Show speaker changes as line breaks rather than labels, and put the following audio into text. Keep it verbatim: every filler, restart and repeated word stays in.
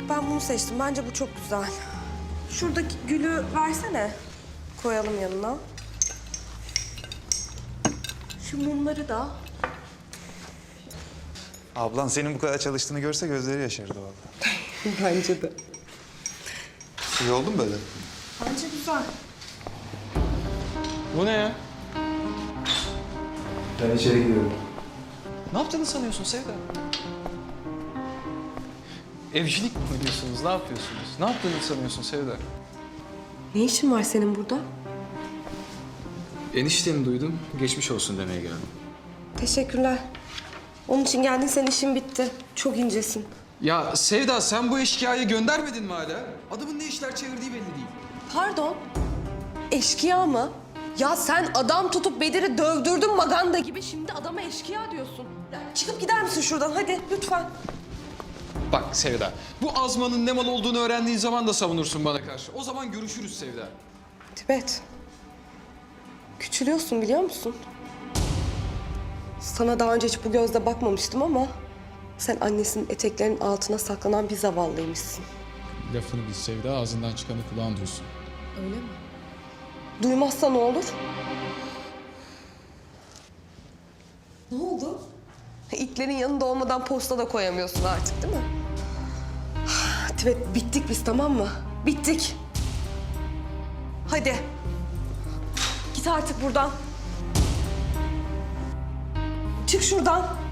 Ben bunu seçtim. Bence bu çok güzel. Şuradaki gülü versene. Koyalım yanına. Şu mumları da.
Ablan senin bu kadar çalıştığını görse gözleri yaşardı vallahi.
Bence de.
İyi oldu mu böyle?
Bence güzel.
Bu ne ya?
Ben içeri gidiyorum.
Ne yaptığını sanıyorsun Sevda? Evcilik mi oynuyorsunuz? Ne yapıyorsunuz? Ne yaptığını sanıyorsun Sevda?
Ne işin var senin burada?
Enişteni duydum. Geçmiş olsun demeye geldim.
Teşekkürler. Onun için geldin, senin işin bitti. Çok incesin.
Ya Sevda sen bu eşkıyayı göndermedin mi hala? Adamın ne işler çevirdiği belli değil.
Pardon? Eşkıya mı? Ya sen adam tutup Bedir'i dövdürdün Maganda gibi. Şimdi adama eşkıya diyorsun. Ya çıkıp gider misin şuradan? Hadi lütfen.
Bak Sevda, bu azmanın ne mal olduğunu öğrendiğin zaman da savunursun bana karşı. O zaman görüşürüz Sevda.
Tibet. Küçülüyorsun biliyor musun? Sana daha önce hiç bu gözle bakmamıştım ama... sen annesinin eteklerinin altına saklanan bir zavallıymışsın.
Lafını bil Sevda, ağzından çıkanı kulağın duysun.
Öyle mi? Duymazsa ne olur? Ne oldu? İtlerin yanında olmadan posta da koyamıyorsun artık değil mi? Tibet, bittik biz, tamam mı? Bittik. Hadi. Git artık buradan. Çık şuradan.